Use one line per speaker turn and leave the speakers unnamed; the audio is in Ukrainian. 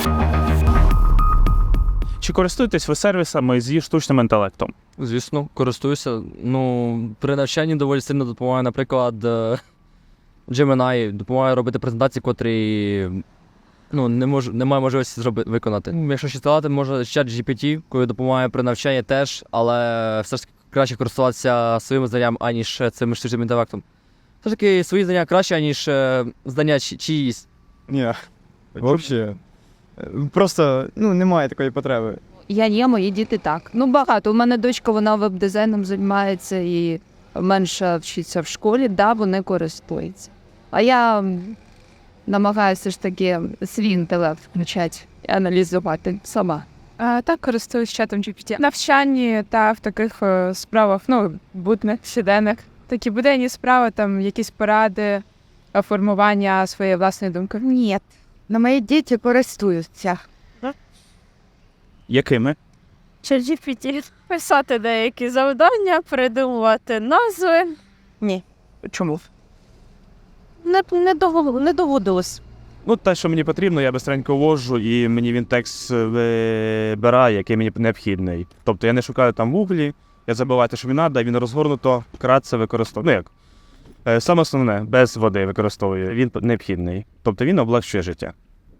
Чи користуєтесь ви сервісами зі штучним інтелектом?
Звісно, користуюся. При навчанні доволі сильно допомагає, наприклад, Gemini допомагає робити презентації, котрі немає можливості виконати. Якщо ще сказати, може чат GPT, коли допомагає при навчанні теж, але все ж таки краще користуватися своїми знаннями, аніж цим штучним інтелектом. Все ж таки свої знання краще, аніж знання чиїсь.
Ні, взагалі. Просто немає такої потреби.
Я є, мої діти так. Багато. У мене дочка, вона веб-дизайном займається і менше вчиться в школі, вони користуються. А я намагаюся ж таки свій інтелект включати і аналізувати сама.
Так, користуюсь чатом GPT. В навчанні та в таких справах, будних, щоденних. Такі буденні справи, там якісь поради, формування своєї власної думки.
Ні, но мої діти користуються.
Якими?
ChatGPT. Писати деякі завдання, придумувати назви.
Ні.
Чому?
Не доводилось.
Те, що мені потрібно, я бистренько ввожу, і мені він текст вибирає, який мені необхідний. Тобто я не шукаю там в гуглі, я забиваю те, що мені треба, і він розгорнуто, вкратце використовує. Саме основне, без води використовує, він необхідний. Тобто він облегчує життя.